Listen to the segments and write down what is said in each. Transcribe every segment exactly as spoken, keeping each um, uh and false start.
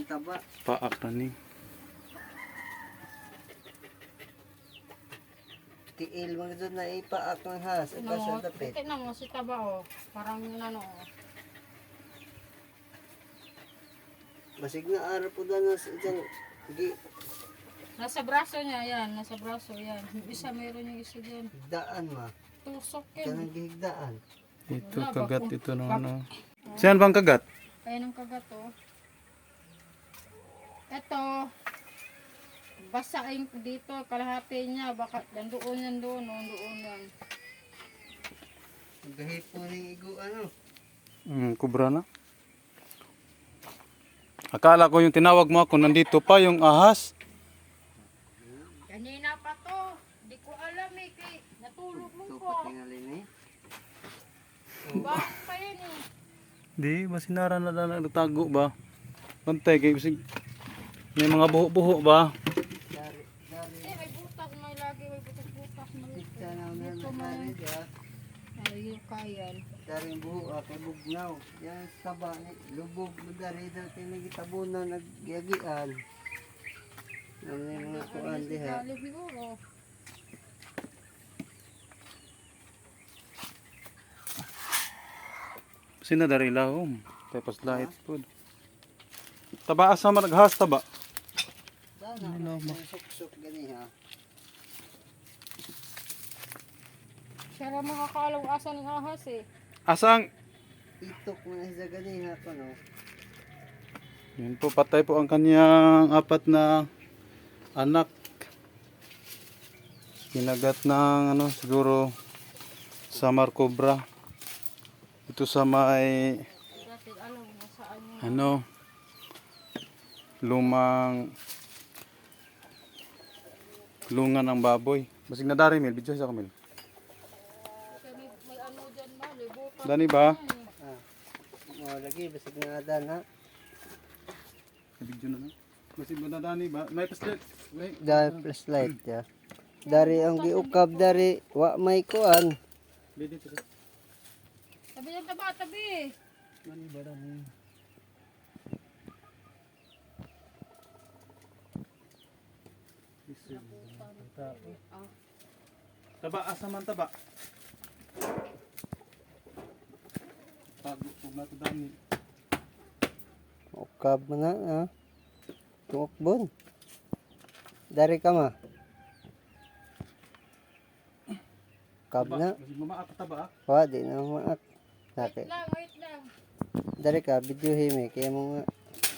taba. Paak na ni. Tiil mga dyan na ipaak ng has. Ito Ano, sa dapit. tingnan mo si taba oh. Parang ano oh. Basig na araw po na sa isang gi Nasa braso niya yan, nasa braso yan. Yung isa meron yung isa dyan. higdaan ma. Tusok Ito yan. ng gihigdaan. Ito Wala, kagat bako. ito no Bak- ano. Saan bang kagat? Ayan ang kagat oh. Ito. Basain ko dito, kalahati niya. Baka nandoon yan doon, oh, doon yan. Gahit po ng igo ano. Hmm, kubra na. Akala ko yung tinawag mo ako nandito pa yung ahas. Kanina pa to. Di ko alam eh. Kay, natulog mo Ito ko. pa tingalin eh. Bakit pa yan eh. Di, ba sinara na lang nagtago ba? Pantay kay kasi may mga buho-buho ba? Dari, dari. Eh, may butas. May lagi may butas-butas. May Ito na na Ito na dari may. ya. Ayun kayan. Dari buho ah, kay bugnaw. Yan taba ni lubog mo dari dati nagitabunan nagyagian. Ano yung mga kuan diha. Dali siguro. Sina dari lahom. Tapos light food. Taba asa man naghas taba. Dana Ano ano ba? suksok gani ha. Siya lang makakalaw asa ng ahas eh. Asang Itok mo na sa gani ha ko no. yun po, patay po ang kanyang apat na anak. Kinagat ng ano, siguro Samar Cobra. Ito sa may Dati alam mo saan yung ano lumang lungan ng baboy. Basig na dari mil, video sa kamil. Kasi may, may ano dyan ba, libutan. Dani ba? Yan eh. Ah. Mo lagi basig na adan ha. Video na na. Basig na dani ba? May paslit. May Dari plus light ya. Dari ang giukab dari wa may kuan. dito sa. Tabi yan taba, tabi. Dani ba dani? Ah, Taba asa man taba. Tago po na to dani. Ukab mo na ha. Tuokbon. Dari ka ma. Ukab na. Basig mamaak taba. Wa di na maak. wait Nake. lang, wait lang. Dari ka video hime kaya mo nga.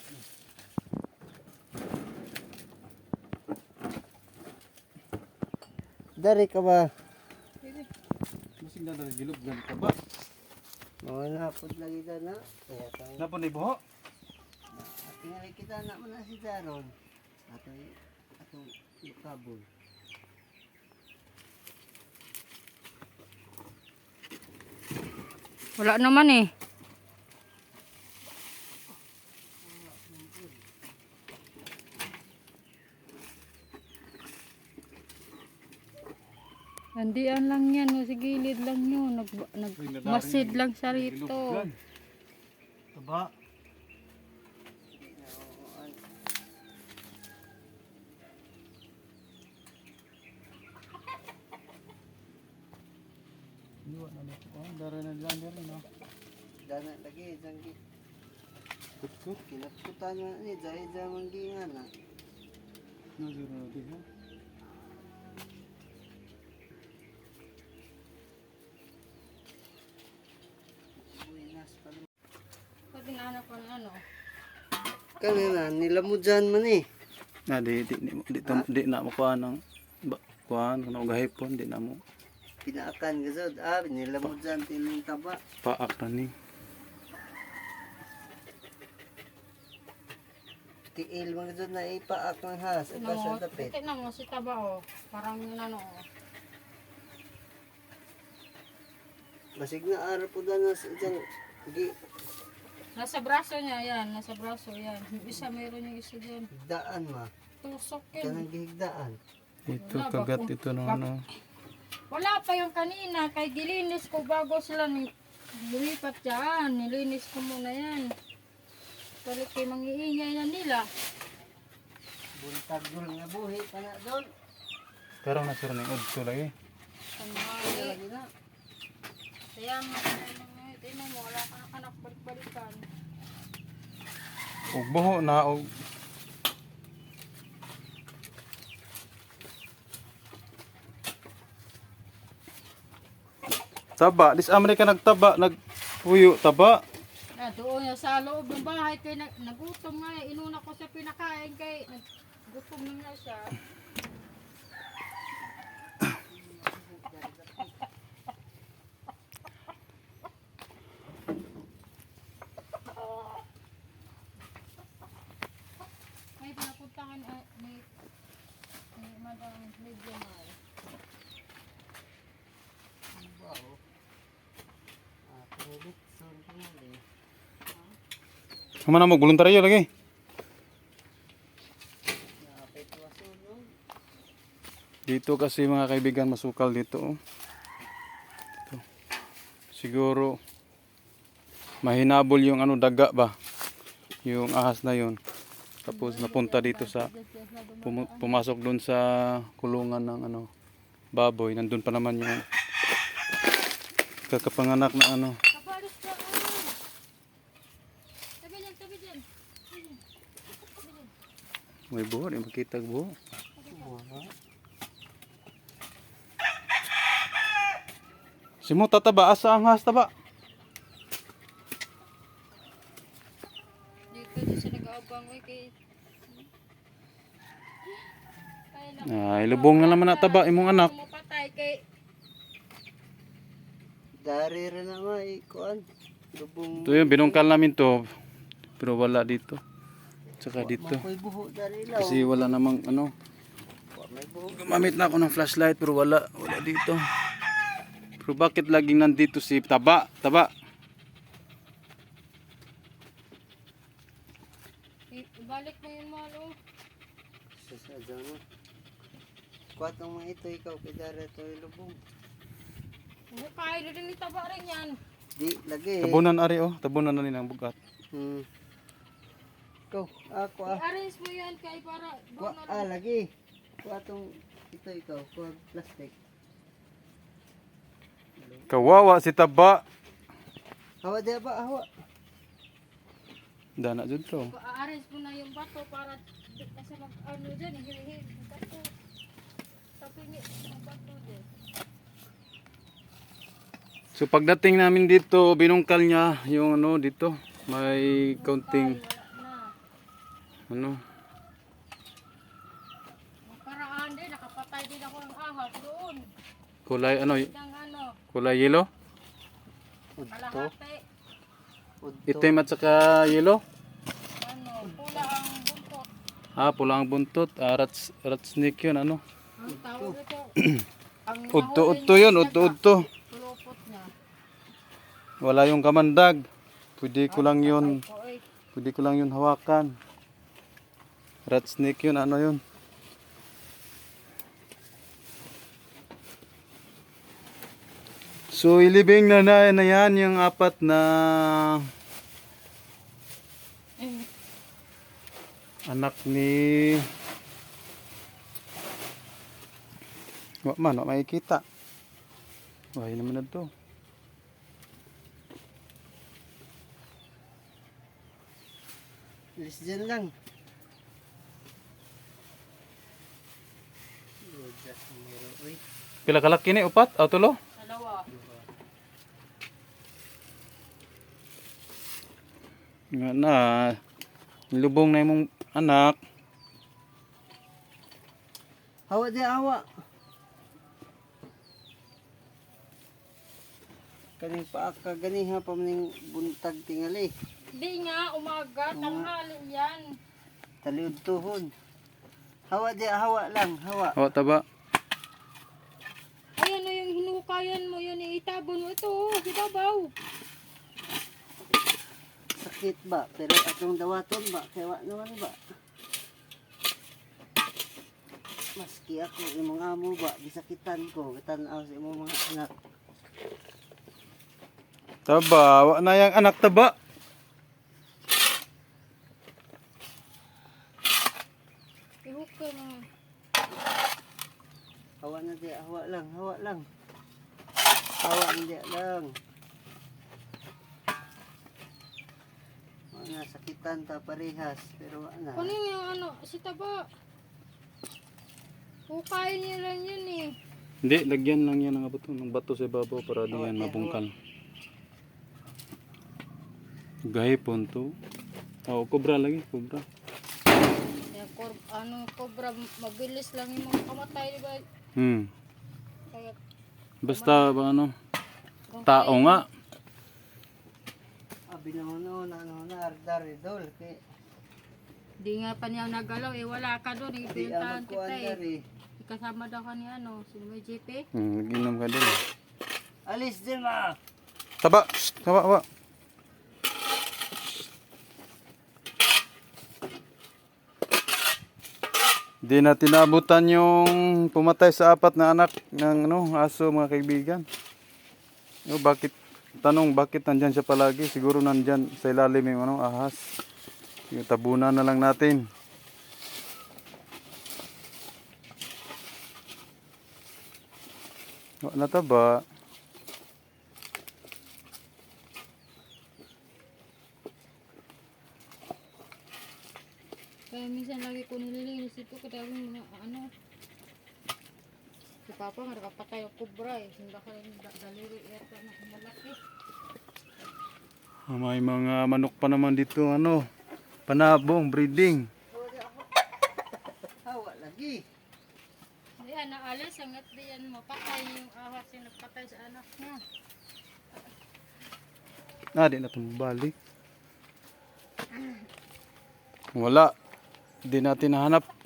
Dari ka ba? Basig na dari gilog gan taba. Mga napod lagi ka na. Kaya kang Napon ni buho. tingali kita na mo na si Daron. Ato ato ukabon. Wala naman eh. Nandiyan lang yan, no, sa gilid lang yun. Nag, nagmasid lang siya rito. Taba. Iwa na nito. Oh, dara na lang dara no. Dana lagi janggi. Kutkut. Kinaputan mo ni dahil zaman gingan na. No zero na di ha. Buenas pa naman. Pati na anak ko na ano. Kanina nilamudyan man eh. Na di di di, di, di, di na mo kuan ng ba- kuan kuno gahipon di na mo Pinaakan ka sa ah nilamudyan tining taba. paak na ni. Tiil mga dyan na ipaak ng has. Ito sa Ano, dapit. tingnan mo si taba oh. Parang ano oh. Basig na araw po na sa isang gi Nasa braso niya yan, nasa braso yan. Yung isa meron yung isa dyan. higdaan ma. Tusok Ito yan. ng gihigdaan. Ito kagat ito no ano. Wala pa yung kanina, kay gilinis ko bago sila ni lumipat dyan. Nilinis ko muna yan. Balik kay mangiingay na nila. Buntag doon nga buhi pa na doon. Pero nasuro na yung udto lagi. Tanghali. Lagi na. Kaya nga, tingnan mo, wala ka na kanak balik-balikan. Ug buho na og taba, dis Amerika nagtaba, nagpuyo taba. Ah, doon na sa loob ng bahay kay nag nagutom nga eh. Inuna ko siya pinakain kay nagutom na nga siya. May pinapuntahan ay ni ni Madam Lydia Mar. Wow. Ah, tulit. Sorry ko nga eh. Humana mo voluntaryo lagi. Napit masunog. Dito kasi mga kaibigan masukal dito. Oh. Dito. Siguro mahinabol yung ano daga ba? Yung ahas na yun. Tapos napunta dito sa pum- pumasok doon sa kulungan ng ano baboy. Nandun pa naman yung kakapanganak na ano. Kapalis ka ah. Tabi dyan, tabi dyan. May buho, di makita buho. Si mo tataba asa ang ahas taba. Dito di siya nag-aabang eh kay Ay, naku. Ay, lubong na naman nataba imong anak. Mapatay kay Dari rin na nga eh. Kuan. Lubong. Ito yun, binungkal namin to. Pero wala dito. Tsaka dito. Makoy buho dari lang. Kasi wala namang ano. May buho. Gumamit na ako ng flashlight pero wala. Wala dito. Pero bakit laging nandito si Taba? Taba. i- ibalik mo yun malo. Sasadya na. Kuat ang mga ito ikaw kay dari ito yung lubong. Bukay rin ni taba rin yan. Di lagi eh. Tabunan ari oh. Tabunan na nilang bugat. Hmm. Ikaw, ako ah. I-arrange mo yan kay para Kuha, doon na ah, lagi. Kuha tong, ito ikaw, kuha plastic. Kawawa si Taba. Hawa di ba, hawa. Dana jud to. I-arrange mo na yung bato para di kasi mag ano dyan, hihil bato. Tapingi ang bato dyan. So pagdating namin dito, binungkal niya yung ano dito. May kaunting Wala na. ano. Ang paraan din, nakapatay din ako ng ahas doon. Kulay ano, Ng ano, kulay yellow. Udto. kalahati. Udto. Itim at saka yellow. Ano, pula ang buntot. Ah, pula ang buntot. Ah, rats, rat snake yun ano. Ang tawag ito. Ang Udto, nahuli udto niya yun, sa udto, daga. udto. Pulupot niya. Wala yung kamandag. Pwede ko lang yun, O, eh, pwede ko lang yun hawakan. Rat snake yun, ano yun. So ilibing na na, na yan yung apat na eh, anak ni wa man, wa makikita. Wala naman na to. Alis dyan lang. Just meron, uy. Pila kalaki ni upat o tulo? dalawa. Nga na, nilubong na imong anak. Hawa di, hawa. Kaning paaka, ganiha pa maning buntag tingali. Di nga, umaga, tanghali yan. Taliod tuhod. Hawa di, hawa lang, hawa. Hawa taba. Ay, ano yung hinukayan mo yun, itabon mo ito, oh, si Babaw. Sakit ba? Pero atong dawaton ba? Kaya wa naman ba? Maski ako, imong amo ba? Gisakitan ko. Katanaw sa imong mga anak. Taba, wa na yang anak taba. Ihuk ka mga. Hawa na di, hawa lang, hawa lang. Hawa na di lang. Mga sakitan ta parehas, pero ano. Kunin yung ano, si taba. Hukayin niya lang yun eh. Hindi, lagyan lang yan ng bato, ng bato sa ibabaw para di Hawa, yan di, mabungkal. Gahipon to. Oh, kubra lagi, kubra. Kaya kor, ano, cobra, mabilis lang yung mga kamatay, di ba? Hmm. Kaya, Basta ba ano, kung tao kaya- nga. Abi na ano, na ano, na ardar idol. Kay, Di nga pa niya nagalaw eh, wala ka doon, eh, di pinuntahan amag ko kita andar eh. eh. Kasama daw ka ni ano, si may J P. Hmm, nag-inom ka din. Alis din ma! Taba! Shh, taba, taba. Di na tinabutan yung pumatay sa apat na anak ng ano, aso mga kaibigan. O, bakit, tanong bakit nandyan siya palagi? Siguro nandyan sa ilalim yung ano, ahas. Yung tabunan na lang natin. O, nataba. Kaya minsan lagi ko nililinis ito, kadaming mga ano. Si Papa nga nakapatay ang kubra eh. Hindi ka rin da- daliri yata na malaki. Ah, may mga manok pa naman dito, ano, panabong, breeding. Hawa lagi. Hindi yan, naalis, hanggat di yan mapatay yung ahas yung nagpatay sa anak niya. Ah, di na tumabalik. Wala. Di natin nahanap.